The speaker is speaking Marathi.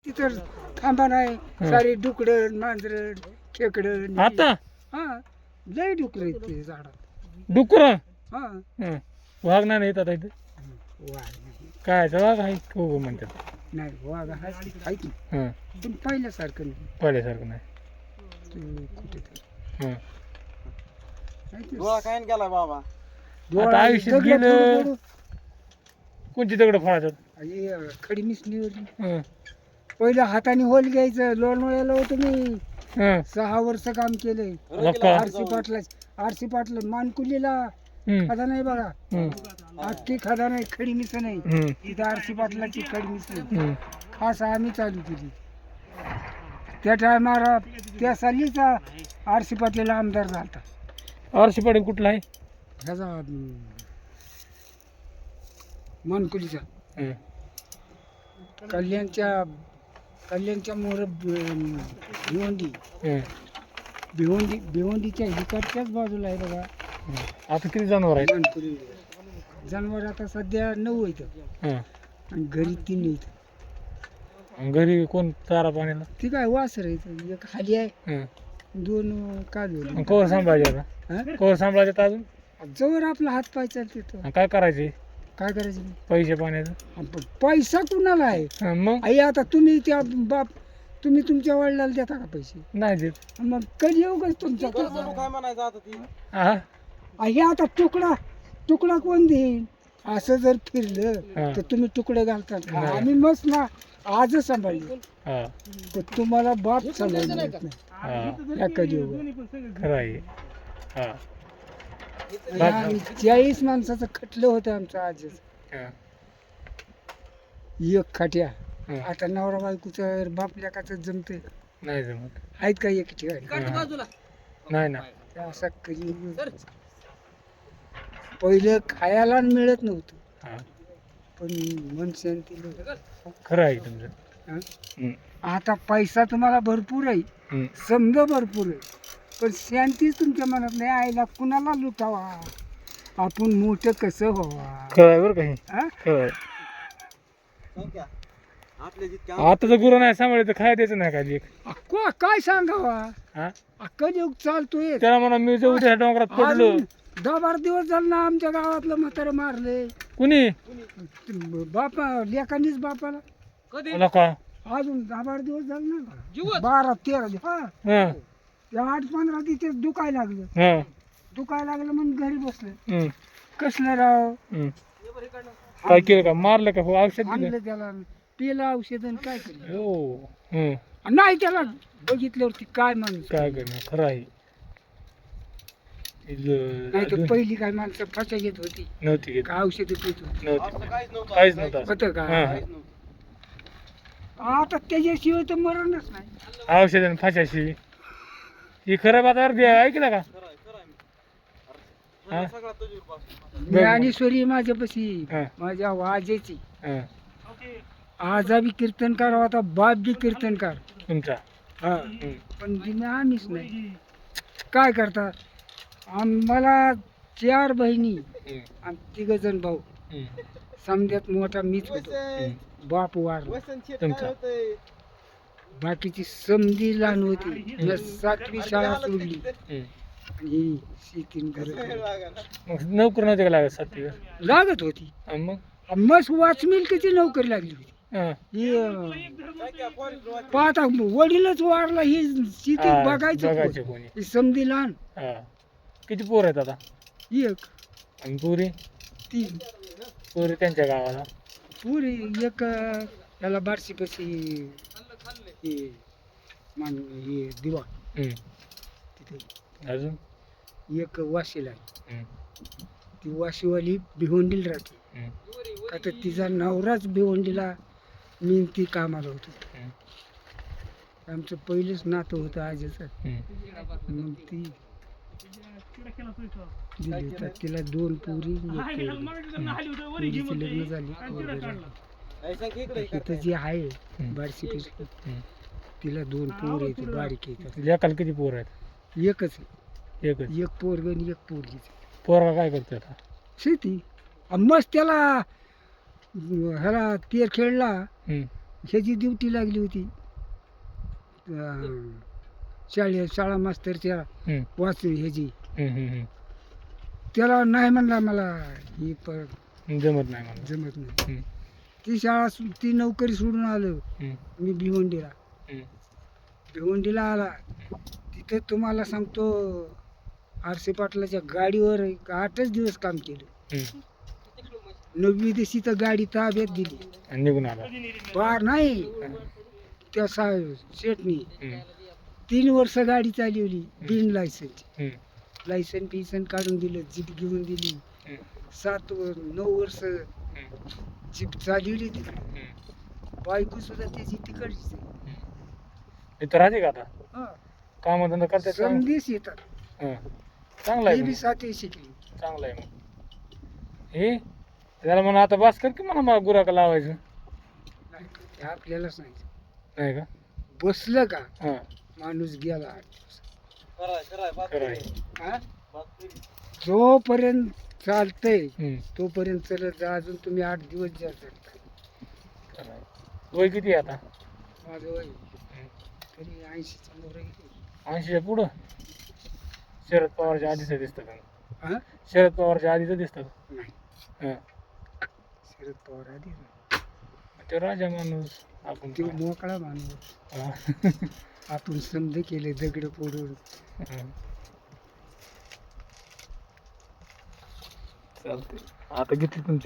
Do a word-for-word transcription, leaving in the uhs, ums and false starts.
तिथं थांबा नाही सारे डुकडं मांजर खेकडं आता हा लय डुकर ते झाडात डुकर हा वाघ नाही येतात इथे वाघ नाही काय वाघ आहे हो म्हणतात नाही वाघ आहे की हां पण पहिल्यासारखं नाही पहिल्यासारखं नाही ते कुठेतरी हां नाही ते डोळा काय गेला बाबा डोळा आता आयुष्यात दगडं गेलं- फोडू- कोणती दगड फोडायचं फोडू. हे खडी मिसळीवरली हां पहिलं हाताने होल घ्यायचं लोणवळ्याला होतं मी हां सहा वर्ष काम केलंय नका. आरसी पाटला आरसी पाटला मानकुलीला हम्म, खदा नाही बघा हम्म, अख्खी खदा नाही खडी मिस नाही हम्म, इथं आरसी पाटलाची खडी मिस नाही हम्म. खास आम्ही चालू केली त्या टायमाला त्या सालीच आरसी पाटलेला आमदार झालता आरशी पाटील कुठला आहे ह्याचा अं, मानकुलीचा हं. कल्याणच्या कल्याणच्या मोर भिवंडी हं. भिवंडी भिवंडीच्या इकडच्याच बाजूला आहे बघा हं. आता किती जनावर आहेत मानकुली जनावर आता सध्या नऊ इथं हं. आणि घरी तीन इथं आणि घरी कोण चारा पाण्याला ती काय वासर आहे इथं. एक खाली आहे हं. दोन काजू मग कवर सांभाळायचे आता कवर सांभाळायचे अजून जवळ आपला हात पाय चालते तर आणि काय करायचे काय करायचं पैसे पाण्याचं आपण पैसा कुणाला आहे हं, मग आई आता तुम्ही त्या बाप तुम्ही तुमच्या वडिलाला देता का पैसे नाही देत मग कधी येऊ का तुमच्या काय म्हणायचं आता ती हा हे आता तुकडा तुकडा कोण देईल असं जर फिरलं हा. तर तुम्ही तुकडे घालतात का? नाही. आम्ही मस्त ना आजच सांभाळले हा तर तुम्हाला बाप सांभाळले नाही हा या कधी खरं आहे हा आम्ही चाळीस माणसाचं खटलं होतं आमचं आजच हा. एक खाट्या हं. आता नवरा बायकोचं बाप लेकाचं जमते नाही जमत आहेत का एक ठिकाणी हा. नाही ना ते असं कधी पहिलं खायला मिळत नव्हतं हा पण मन शांती खरं आहे तुमचं हं? हं. आता पैसा तुम्हाला भरपूर आहे हं. समजा भरपूर आहे पण शांतीच तुमच्या मनात नाही आईला कुणाला लुटावा आपण मोठं कसं व्हावा खरं आहे बरं का हे हं? खरं आहे संख्या आपल्या जितक्या आता जर गुरु नाही सांभाळलं तर खायला द्यायचं नाही काय एक अक्को, काय सांगावा हा अक्कल योग चालतोय त्याला म्हणा मी जर उद्या डोंगरात पडलो अजून दहा बारा दिवस झालं ना आमच्या गावातलं म्हातारं मारले कुणी बापा लेकांनीच बापाला मला का अजून दहा बारा दिवस झाले ना बारा तेरा दिवस हा हं, ते आठ पंधरा तिथे दुखायला लागलं हं, दुखायला लागलं म्हणून घरी बसले हं, कसलं राव हं. काय केलं का मारलं का हो औषध दिलं आणलं त्याला पिलं औषध आणि काय केलं हो हं. नाही त्याला बघितल्यावरती काय माणूस काय करणार खरं आहे नाही तर इल- पहिली काय माणसं फाशा घेत होती नव्हती घेत का औषध पित होती नव्हती काहीच नव्हतं काहीच नव्हतं होतं का हां, काहीच नव्हतं आता त्याच्याशिवाय तर मरणच नाही औषध आणि फाशाशी ही खरं बात अर्धी आहे ऐकलं का खरं आहे खरं आहे हा? मी सगळा तुझ्यावर पासून ज्ञानेश्वरी माझ्यापाशी हां, माझ्या वाजेची हां. आजा बी कीर्तनकार होता बाप बी कीर्तनकार तुमचा हा हं. पण तिने आम्हीच नाही काय करतात आम्हाला चार बहिणी हं. आणि तिघ जण भाऊ हं. समजात मोठा मीच होतो हं. बाप वारला वसन शेत तुमचा. काय होतंय बाकीची समजी लहान होती मी सातवी शाळा सोडली हं. आणि ही शेतीन घर मग नोकर नव्हते का लागत सात दिवस लागत होती आणि मग मस्त वाचमिल किती नोकरी लागली होती हां. ही अं, काय काय फॉरेस्ट वाट पाहता वडीलच वारला ही शेती हां, बघायचं बघायचं कोण? कोणी ही समधी लहान हां. किती पोर आहेत आता एक आणि पुरी तीन पुरी त्यांच्या गावाला पुरी एक अं, याला बारशी पशी हे मान हे दिवा हं. तिथे अजून एक वाशीला आहे हं. ती वाशीवाली भिवंडीला राहते हं. का तर तिचा नवराच भिवंडीला मी ती कामाला होतो हं. आमचं पहिलंच नातं होतं आजीचं हं. मग ती दिली तर तिला दोन पुरी एक पोरगी. पोरीची लग्न झाली पोरगं झालं. काय सांग इकडे इथं जी आहे हं. बारशी पशी हं. तिला दोन पोर आहेत बारीक आहेत लेकाला किती पोर आहेत एकच आहे. एकच एक पोरग आणि एक पोरगी पोरगा काय करतो आता शेती अन मस्त त्याला ह्याला तेर खेळला हं. ह्याची ड्युटी लागली होती अं, शाळे शाळा मास्तरच्या हम्म, वाचू ह्याची हम्म, हम्म, हम्म. त्याला नाही म्हणला मला ही पर जमत नाही मला. जमत नाही. हम्म, ती शाळा सो- ती नोकरी सोडून आलो हम्म, मी भिवंडीला. हम्म. भिवंडीला आला तिथे तुम्हाला सांगतो आरसे पाटलाच्या गाडीवर एक आठच दिवस काम केलं. हम्म. नववी दिवशी तर गाडी ताब्यात दिली. आणि निघून आला. पार नाही त्या सा शेटनी हम्म, तीन वर्ष गाडी चालवली बिन लायसन्स. हम्म, लायसन बिसन काढून दिलं, जीप घेऊन दिली. हम्म, सात व- नऊ वर्ष हम्म, जीप चालवली तिकडे. हम्म. बायको सुद्धा त्याची तिकडचीच आहे. इथं राहते का आता? हा. काम धंदा करतात का? संदेश येतात. हं. चांगलं आहे ते बी मग. सातवी शिकली. चांगलं आहे मग. हे त्याला म्हणा आता बस कर की म्हणा मला गुराका लावायचं. नाही, ते आपल्यालाच नाही. नाही का? बसलं का हां, माणूस गेला आठ दिवस. खरंय खरंय बात खरं आहे. खरी. हा? बात खरी. जोपर्यंत चालतंय हम्म, तोपर्यंत चलत जा. अजून तुम्ही आठ दिवस जा चालताय. खरं आहे. वय किती आहे आता? माझं वय हम्म. तरी ऐंशीच्या मोर गेली. ऐंशीच्या पुढं? शरद पवारच्या आधीचं दिसतं का? हा शरद पवारच्या आधीचं दिसतं का? नाही, हं. शरद पवार आधी ते राजा माणूस आपण तो मोकळा माणूस. हां. आपण समज केले दगड फोडून. हं. चालतंय. आता किती तुमची